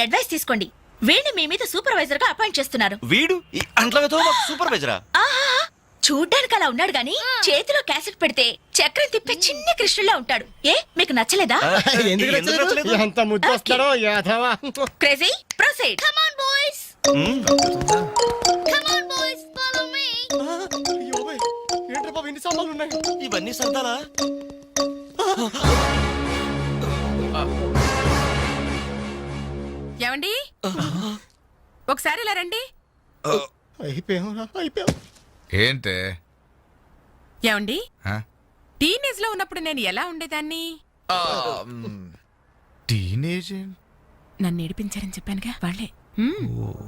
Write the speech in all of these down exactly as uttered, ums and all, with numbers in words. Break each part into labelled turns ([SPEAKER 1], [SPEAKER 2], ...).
[SPEAKER 1] Advice తీసుకోండి. వీడిని మీ మీద సూపర్వైజర్ గా అపాయింట్ చేస్తున్నారు.
[SPEAKER 2] వీడు ఈ అంట్లతో సూపర్వైజరా?
[SPEAKER 1] ఆహా, చూడ్డానికి అలా ఉన్నాడు గాని చేతిలో క్యాసెట్ పెడితే చక్రం తిప్పే చిన్న కృష్ణులా ఉంటాడు. ఏ మీకు నచ్చలేదా?
[SPEAKER 3] ఎందుకు నచ్చలేదు? ఎంత ముద్దు వస్తాడో యాదవా.
[SPEAKER 1] Crazy proceed. Come on boys, come on boys, follow me.
[SPEAKER 3] అయ్యోయ్, ఏంట్రా బాబు ఇన్ని సామాన్లు ఉన్నాయి?
[SPEAKER 2] ఇవన్నీ సరదాలా?
[SPEAKER 4] ఏమండి, ఒకసారి ఇలా రండి.
[SPEAKER 3] అయిపోయావురా, అయిపోయావు.
[SPEAKER 5] ఏంటే
[SPEAKER 4] ఏమండి, టీనేజ్ లో ఉన్నప్పుడు నేను ఎలా ఉండేదాన్ని?
[SPEAKER 5] టీనేజ్
[SPEAKER 4] నన్ను ఏడిపించారని చెప్పానుగా వాళ్ళే. హ్మ్.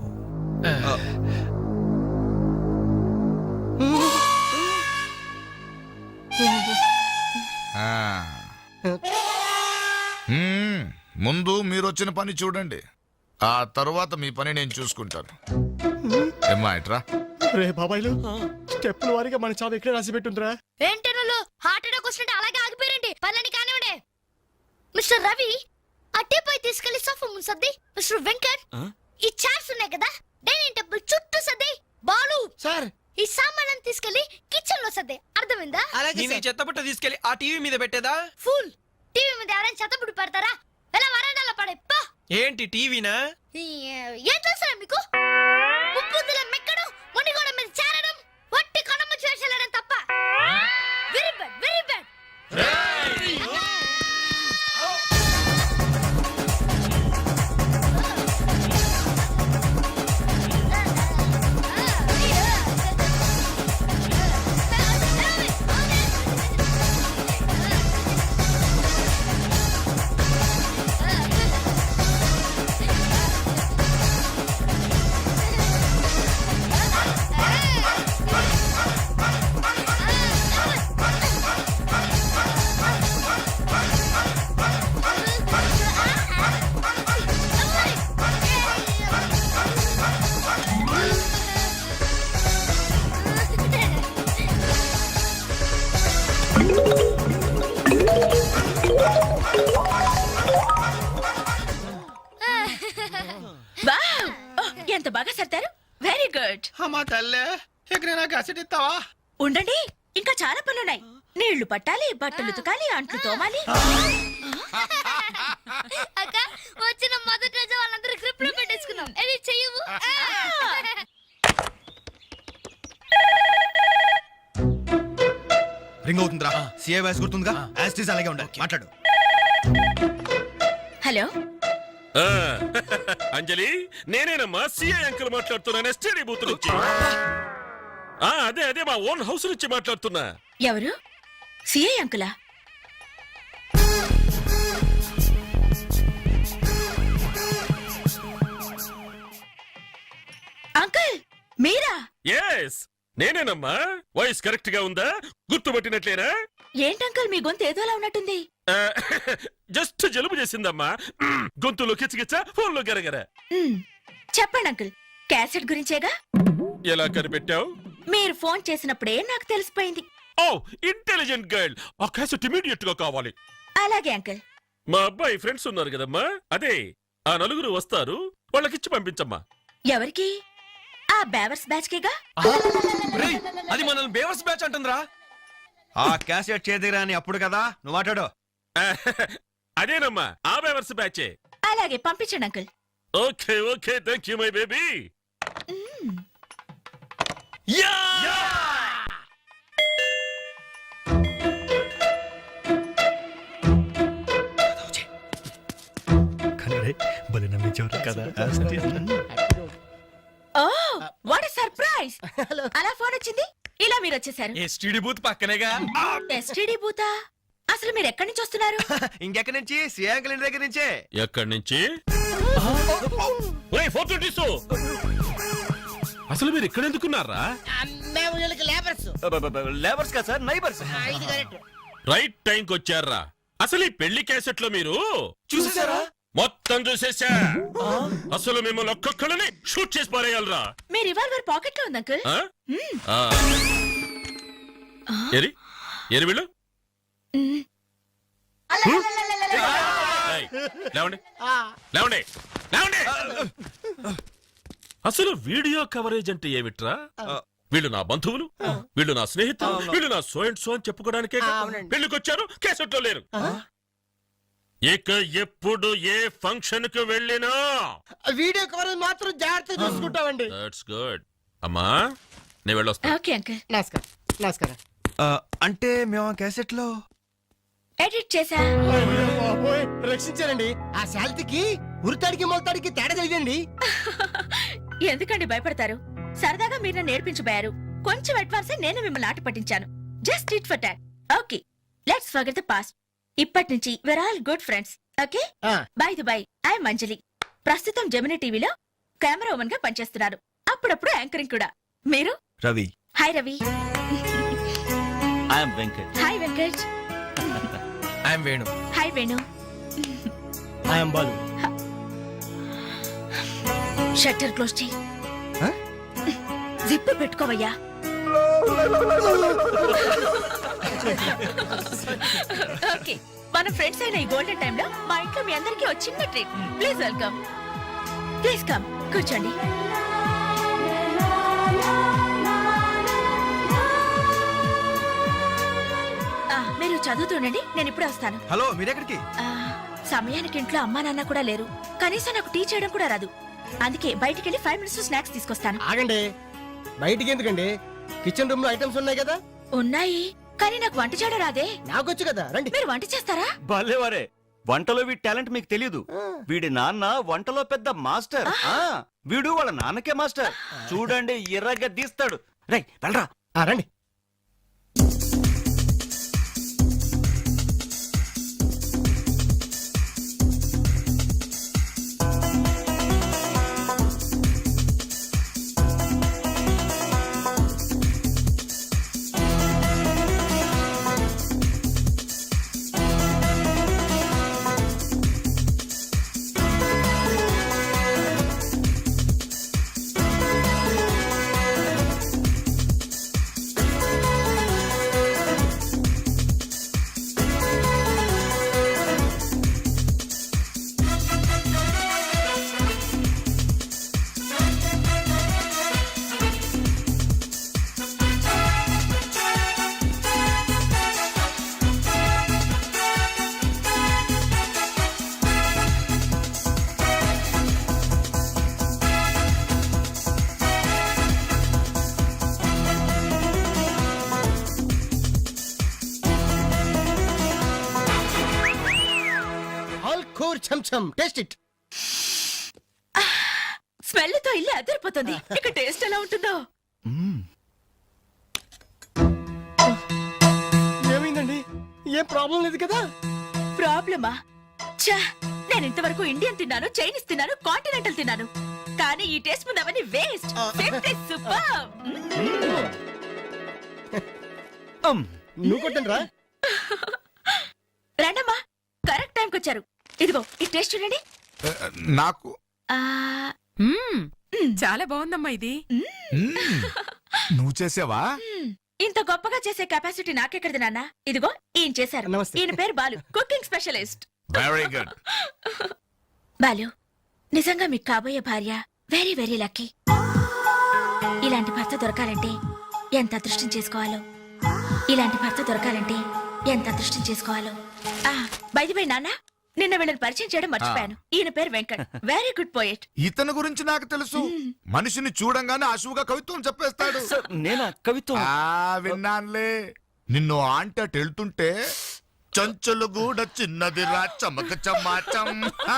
[SPEAKER 5] ముందు మీరు వచ్చిన పని చూడండి, ఆ తరువాత మీ పని నేను చూసుకుంటాను. ఏమ్మా ఇట్రా.
[SPEAKER 3] రే బాబాయ్లు, స్టెప్పుల వారిగా మన చావు ఎక్కడ రాసి పెట్టుందిరా?
[SPEAKER 6] ఏంటి హార్ట్ అటాక్ వస్తుంటే అలాగే ఆగిపోయారండి. పనులని కానివ్వండి. మిస్టర్ రవి, అట్టేపై తీసుకెళ్లి సోఫా ముందు సర్ది. మిస్టర్ వెంకట్, ఈ చైర్స్ ఉన్నాయి కదా డైనింగ్ టేబుల్ చుట్టూ సర్ది. బాలు
[SPEAKER 3] సార్,
[SPEAKER 6] ఈ సామాన్లను తీసుకెళ్లి కిచెన్ లో సర్ది. అర్థమైందా?
[SPEAKER 7] చెత్తబుట్ట తీసుకెళ్లి ఆ టీవీ మీద పెట్టేదా?
[SPEAKER 6] ఫుల్ టీవీ మీద ఎవరైనా చెత్తబుడ్డు పెడతారా? ఎలా వరండాలో పడే పా.
[SPEAKER 7] ఏంటి టీవీనా?
[SPEAKER 6] ఏం చేస్తారా మీకు? ముప్పుదుల మెక్కడం, మునిగోడ మీద చేరడం, వట్టి కొనమ్మ చేసేయడం తప్ప. Very bad, very bad.
[SPEAKER 1] Wow, ఎంత బాగా సర్దారు. Very good.
[SPEAKER 7] అమ్మా తల్లే, ఇక్కడ నాకు అసెట్ ఇస్తావా?
[SPEAKER 1] ఉండండి, ఇంకా చాలా పనులున్నాయి. నీళ్లు పట్టాలి, బట్టలు ఉతకాలి, అంట్లు తోమాలి.
[SPEAKER 6] అక్క, వచ్చిన మొదటి రోజు వాళ్ళందరూ గ్రిప్ లో పెట్టేసుకున్నాం. ఇది చెయ్యవు.
[SPEAKER 8] రింగ్ అవుతుందిరా. CA voice గుర్తుందిగా? యాస్టీస్ అలాగే ఉండాలి. మాట్లాడు.
[SPEAKER 1] హలో
[SPEAKER 9] అంజలి, నేనేనమ్మా సిఐ అంకుల్ మాట్లాడుతున్నాను, ఎస్టీడీ బూత్ నుంచి. అదే అదే మా ఓన్ హౌస్ నుంచి మాట్లాడుతున్నా.
[SPEAKER 1] ఎవరు? సిఐ అంకులా? అంకుల్ మీరా?
[SPEAKER 9] ఎస్ నేనేనమ్మా. వాయిస్ కరెక్ట్ గా ఉందా? గుర్తుపట్టినట్లేనా?
[SPEAKER 1] ఏంటంకుల్ మీ గొంతు ఏదోలా ఉన్నట్టుంది.
[SPEAKER 9] జస్ట్ జలుబు చేసిందమ్మా. గొంతులో కిచకిచ, ఫోన్ లో గరగర.
[SPEAKER 1] చెప్పండి అంకుల్, క్యాసెట్ గురించేగా?
[SPEAKER 9] ఎలా కనిపెట్టావు?
[SPEAKER 1] మీరు ఫోన్ చేసినప్పుడే నాకు తెలిసిపోయింది.
[SPEAKER 9] ఓ, ఇంటెలిజెంట్ గర్ల్. ఆ క్యాసెట్ ఇమీడియట్ గా కావాలి.
[SPEAKER 1] అలాగే అంకుల్.
[SPEAKER 9] మా అబ్బాయి ఫ్రెండ్స్ ఉన్నారు కదమ్మా, అదే ఆ నలుగురు వస్తారు, వాళ్ళకిచ్చి పంపించమ్మా.
[SPEAKER 1] ఎవరికి? ఆ బేవర్స్ బ్యాచ్ కేగా?
[SPEAKER 7] అది మనల్ని బేవర్స్ బ్యాచ్ అంటుందిరా.
[SPEAKER 8] ఆ క్యాసెట్ చేదిరా అని అప్పుడు కదా నువ్వు మాట్లాడు.
[SPEAKER 9] అదేనమ్మా, ఆ బేవర్స్ బ్యాచే.
[SPEAKER 1] అలాగే పంపించండి uncle.
[SPEAKER 9] Okay okay, thank you my baby. ఓ, వాట్ ఎ సర్ప్రైజ్. అలా ఫోన్ వచ్చింది, ఇలా మీరు వచ్చేసారు.
[SPEAKER 7] ఎస్టీడీ బూత్ పక్కనేగా.
[SPEAKER 1] ఎస్టీడీ బూతా? అసలు మీరు ఎక్కడి నుంచి వస్తున్నారు?
[SPEAKER 8] ఇంకెక్కడి నుంచి? సీఏ అంకుల్ ఇంటి దగ్గర నుంచే.
[SPEAKER 9] ఎక్కడి నుంచి? అసలు మీరు ఇక్కడ ఎందుకున్నారా?
[SPEAKER 2] లేబర్స్ కదా సార్, నైబర్స్.
[SPEAKER 9] రైట్ టైంకి వచ్చారా? అసలు ఈ పెళ్లి క్యాసెట్ లో మీరు
[SPEAKER 2] చూసేసారా?
[SPEAKER 9] మొత్తం చూసేసా. అసలు మిమ్మల్ని ఒక్కొక్కరిని షూట్ చేసి పారేయాలరా.
[SPEAKER 1] మీ రివాల్వర్ పాకెట్ లో ఉంది అంకుల్.
[SPEAKER 9] ఎరి ఎరి వీళ్ళు? లేవండి లేవండి లేవండి అసలు వీడియో కవరేజ్ అంటే ఏమిట్రా? వీళ్ళు నా బంధువులు, వీళ్ళు నా స్నేహితులు, వీళ్ళు నా సో అండ్ సో అని చెప్పుకోవడానికే పెళ్లికొచ్చారు, కేసెట్లో లేరు. ఇక ఎప్పుడు ఏ ఫంక్షన్ కు వెళ్ళినా
[SPEAKER 3] వీడియో కవర్ మాత్రం జాగ్రత్త చూసుకుంటామండి.
[SPEAKER 9] That's good. అమ్మా నేను వెళ్ళొస్తా.
[SPEAKER 1] Okay uncle.
[SPEAKER 3] నమస్కారం నమస్కారం.
[SPEAKER 8] అంటే మేము ఆ క్యాసెట్ లో
[SPEAKER 1] ఎడిట్ చేసా.
[SPEAKER 3] బాబోయ్, రక్షించారండి. ఆ శాలిటీకి ఉరితాడికి మొలతాడికి తేడా తెలియదండి.
[SPEAKER 1] ఎందుకండి భయపడతారు? సరదాగా మీరు నన్ను నేర్పించబోయారు. కొంచెం అడ్వాన్స్ నేను మిమ్మల్ని ఆట పట్టించాను. Just it for talk. Okay, let's forget the past. ఇప్పటి నుంచి we're all good friends. Okay,
[SPEAKER 3] ఆ,
[SPEAKER 1] by the by, I'm Anjali. ప్రస్తుతం జెమిని టీవీలో కెమెరా ఉమెన్ గా పనిచేస్తున్నారు. అప్పుడప్పుడు యాంకరింగ్ కూడా. మీరు?
[SPEAKER 8] Ravi.
[SPEAKER 1] Hi Ravi.
[SPEAKER 2] I'm Venkat.
[SPEAKER 1] Hi Venkat.
[SPEAKER 7] I'm Venu.
[SPEAKER 1] Hi Venu.
[SPEAKER 3] I'm Balu.
[SPEAKER 1] Shutter close చేయి.
[SPEAKER 8] Huh?
[SPEAKER 1] జిప్ పెట్టుకోవయ్యా. ఓకే, మన ఫ్రెండ్స్ అయిన ఈ గోల్డెన్ టైమ్ లో మా ఇంట్లో మీ అందరికీ ఒక చిన్న treat. Please welcome. Please come, కూర్చోండి. ఆ, మీరు చదువుతుండండి, నేను ఇప్పుడే వస్తాను.
[SPEAKER 8] హలో మీరెక్కడికి?
[SPEAKER 1] ఆ, సమయానికి ఇంట్లో అమ్మా నాన్న కూడా లేరు. కనీసం నాకు టీ చేయడం కూడా రాదు. అందుకే బయటికి వెళ్ళి ఫైవ్ మినిట్స్ స్నాక్స్ తీసుకొస్తాను.
[SPEAKER 3] ఆగండి, బయటికి ఎందుకండి? కిచెన్ రూమ్ లో ఐటమ్స్ ఉన్నాయి కదా.
[SPEAKER 1] ఉన్నాయి, కానీ నాకు వంట చేయడం రాదే.
[SPEAKER 3] నాకొచ్చు కదా, రండి.
[SPEAKER 1] మీరు వంట చేస్తారా?
[SPEAKER 2] భలేవారే, వంటలో వీడి టాలెంట్ మీకు తెలియదు. వీడి నాన్న వంటలో పెద్ద మాస్టర్. ఆ వీడు వాళ్ళ నాన్నకే మాస్టర్. చూడండి ఎర్రగా తీస్తాడు. రై వెళ్ళరా.
[SPEAKER 3] ఆ, రండి. ఆల్ కోర్ చమ్ చమ్, టేస్ట్ ఇట్.
[SPEAKER 1] స్మెల్ తో ఇల్లు అదిరిపోతుంది. ఇక టేస్ట్ ఎలా ఉంటుందో.
[SPEAKER 3] ఏమైందండి? ఏం ప్రాబ్లం లేదు కదా?
[SPEAKER 1] ప్రాబ్లమా? ఛా, నేను ఇంతవరకు ఇండియన్ తిన్నాను, చైనీస్ తిన్నాను, కాంటినెంటల్ తిన్నాను. కానీ ఈ టేస్ట్ ముందు అవన్నీ వేస్ట్. సూపర్.
[SPEAKER 3] నువ్వు కొట్టండి రా.
[SPEAKER 1] రండమ్మా, కరెక్ట్ టైంకి వచ్చారు. ఇదిగో ఈ టేస్ట్ చూడండి.
[SPEAKER 5] నాకు
[SPEAKER 1] ఆ,
[SPEAKER 4] మ్మ్. చాలా బాగుందమ్మా ఇది.
[SPEAKER 5] మ్మ్. నువ్వు చేసావా?
[SPEAKER 1] మ్, ఇంత గొప్పగా చేసే కెపాసిటీ నాకెక్కడిది నాన్న. ఇదిగో ఈయన చేశారు.
[SPEAKER 3] నమస్తే.
[SPEAKER 1] ఈయన పేరు Balu, cooking specialist.
[SPEAKER 5] Very good.
[SPEAKER 1] Balu, నిజంగా మీకు కాబోయే భార్య వెరీ వెరీ లక్కీ. ఇలాంటి భర్త దొరకాలంటే ఎంత అదృష్టం చేసుకోవాలో. ఇలాంటి భర్త దొరకాలంటే ఎంత అదృష్టం చేసుకోవాలో. ఆ బైది బై నాన్న, నిన్న వీళ్ళని పరిచయం చేయడం మర్చిపోయాను. ఈయన పేరు వెంకట్, వెరీ గుడ్ పోయెట్.
[SPEAKER 5] ఇతని గురించి నాకు తెలుసు. మనిషిని చూడంగానే అశువుగా కవిత్వం చెప్పేస్తాడు.
[SPEAKER 2] సార్ నేనా కవిత్వం?
[SPEAKER 5] ఆ విన్నానులే. నిన్ను ఆంట వెళ్తుంటే చంచలు కూడా చిన్నది రా చమక చమాచం.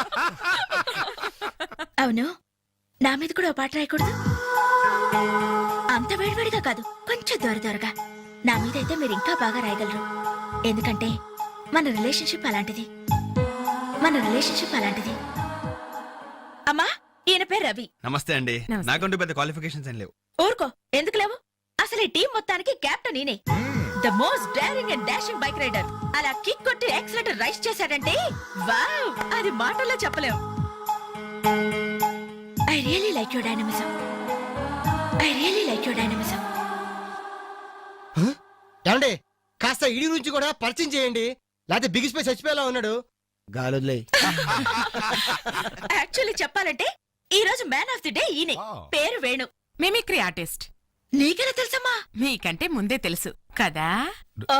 [SPEAKER 1] అవును, నా మీద కూడా ఓ పాట రాయకూడదు? అంత వేడివేడిగా కాదు, కొంచెం దొర దొరగా. నా మీద అయితే మీరు ఇంకా బాగా రాయగలరు. ఎందుకంటే మన రిలేషన్షిప్ అలాంటిది. మన రిలేషన్షిప్ అలాంటిది. అమ్మా, ఈయన పేరు రవి.
[SPEAKER 8] నమస్తే అండి.
[SPEAKER 4] నమస్తే.
[SPEAKER 8] నాకంటూ పెద్ద క్వాలిఫికేషన్స్ ఏం లేవు.
[SPEAKER 1] ఊరుకో, ఎందుకు లేవు? అసలు ఈ టీం మొత్తానికి కెప్టెన్ ఈయనే. The most daring and dashing bike rider. అలా కిక్ కొట్టి యాక్సిలేటర్ రైస్ చేశాడంటే వావ్, అది మాటల్లో చెప్పలేం. I really like your dynamism. I really like your dynamism.
[SPEAKER 3] ఏమండి, కాస్త ఇడి గురించి కూడా పరిచయం చేయండి. లేకపోతే బిగ్ స్పేస్ చచ్చిపోయేలా ఉన్నాడు. గాలులే.
[SPEAKER 1] యాక్చువల్లీ చెప్పాలంటే ఈ రోజు మ్యాన్ ఆఫ్ ది డే ఈయనే. పేరు వేణు.
[SPEAKER 4] Mimicry artist.
[SPEAKER 1] నీకెలా తెలుసమ్మా?
[SPEAKER 4] మీకంటే ముందే తెలుసు కదా.
[SPEAKER 1] ఓ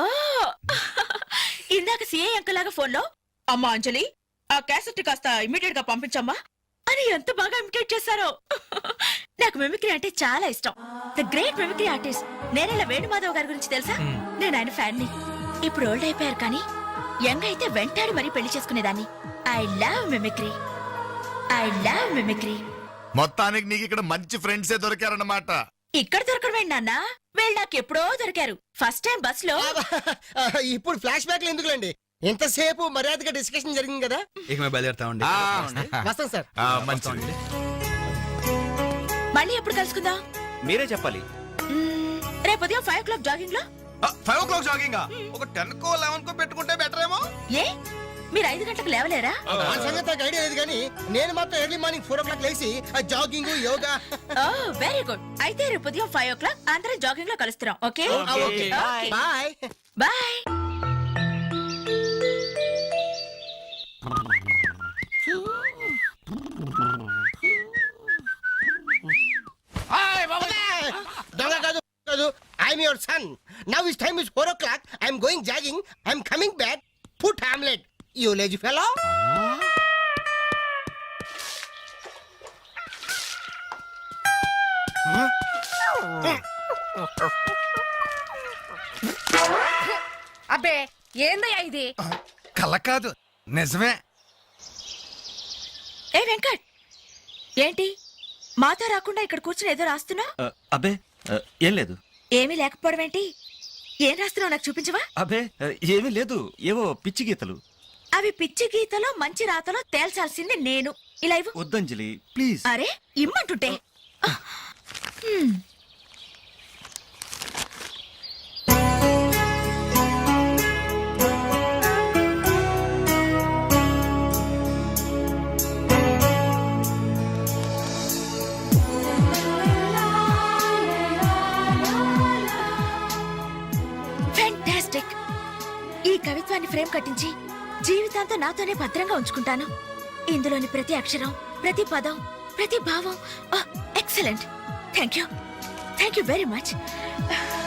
[SPEAKER 1] ఇందాక సిఐ అంకుల్ లాగా ఫోన్ లో అమ్మా అంజలి ఆ క్యాసెట్ కాస్త ఇమీడియట్ గా పంపించమ్మా అని ఎంత బాగా ఇమిటేట్ చేశారో. నాకు మిమిక్రీ అంటే చాలా ఇష్టం. ద గ్రేట్ మిమిక్రీ ఆర్టిస్ట్ నేనేలా వేణుమాధవ్ గారి గురించి తెలుసా? నేను ఆయన ఫ్యాన్ ని. ఇప్పుడు ఓల్డ్ అయిపోయారు కానీ యంగ్ అయితే వెంటాడి మరీ పెళ్లి చేసుకునేదాన్ని. I love mimicry. I love mimicry.
[SPEAKER 5] మొత్తానికి నీకు ఇక్కడ మంచి ఫ్రెండ్సే దొరికారన్నమాట.
[SPEAKER 1] ఇక్కడ దొరకడమే నాన్న, వీళ్ళు నాకు ఎప్పుడో దొరికారు. ఫస్ట్ టైం బస్ లో.
[SPEAKER 3] ఇప్పుడు ఫ్లాష్ బ్యాక్ ఎందుకులేండి, ఎంతసేపు మర్యాదగా డిస్కషన్ జరిగింది కదా.
[SPEAKER 8] ఇక మేము బయలుదేరుతామండి.
[SPEAKER 3] వస్తాం సార్.
[SPEAKER 5] ఆ, మంచిది.
[SPEAKER 1] మళ్ళీ ఎప్పుడు కలుసుకుందాం?
[SPEAKER 2] మీరే చెప్పాలి.
[SPEAKER 1] మ్మ్, రేపు ఉదయం ఫైవ్ ఓ క్లాక్ జాగింగ్ లో.
[SPEAKER 8] ఫైవ్ ఓ క్లాక్ జాగింగ్ ఒక టెన్ కో లెవెన్ కో పెట్టుకుంటే బెటర్ ఏమో.
[SPEAKER 1] ఏ మీరు ఐదు గంటలకు లేవలేరా?
[SPEAKER 3] ఆ సంగతి నాకు ఐడియా లేదు కానీ నేను మాత్రం early morning four o'clock లేచి jogging yoga.
[SPEAKER 1] Oh very good. అయితే రేపు ఉదయం ఫైవ్ ఓ క్లాక్ అందరం జాగింగ్ లో కలుస్తున్నాం. Okay
[SPEAKER 3] okay bye.
[SPEAKER 1] బాయ్.
[SPEAKER 3] దొంగ కాదు కాదు, I'm your son. Now is time is four o'clock. I'm going jogging. I'm coming back. Put omelette you lazy fellow.
[SPEAKER 4] అబ్బే ఏందయ్యా ఇది?
[SPEAKER 8] కళ్ళ కాదు నిజమే.
[SPEAKER 1] ఏ వెంకట్, ఏంటి మాతో రాకుండా ఇక్కడ కూర్చుని ఏదో రాస్తున్నా?
[SPEAKER 2] ఆ, అబ్బే ఆ, ఏం లేదు.
[SPEAKER 1] ఏమీ లేకపోవడం ఏంటి? ఏం రాస్తున్నావు నాకు చూపించవా?
[SPEAKER 2] అబ్బే ఆ, ఏమీ లేదు, ఏవో పిచ్చి గీతలు.
[SPEAKER 1] అవి పిచ్చి గీతలో మంచి రాతలో తేల్చాల్సింది నేను. ఇలా ఇవ్వు.
[SPEAKER 2] వద్దంజలి ప్లీజ్.
[SPEAKER 1] అరే ఇమ్మంటుంటే. హ్మ్. ఫెంటాస్టిక్. ఈ కవిత్వాన్ని ఫ్రేమ్ కట్టించి జీవితాంతం నాతోనే భద్రంగా ఉంచుకుంటాను. ఇందులోని ప్రతి అక్షరం, ప్రతి పదం, ప్రతి భావం excellent. Thank you thank you very much.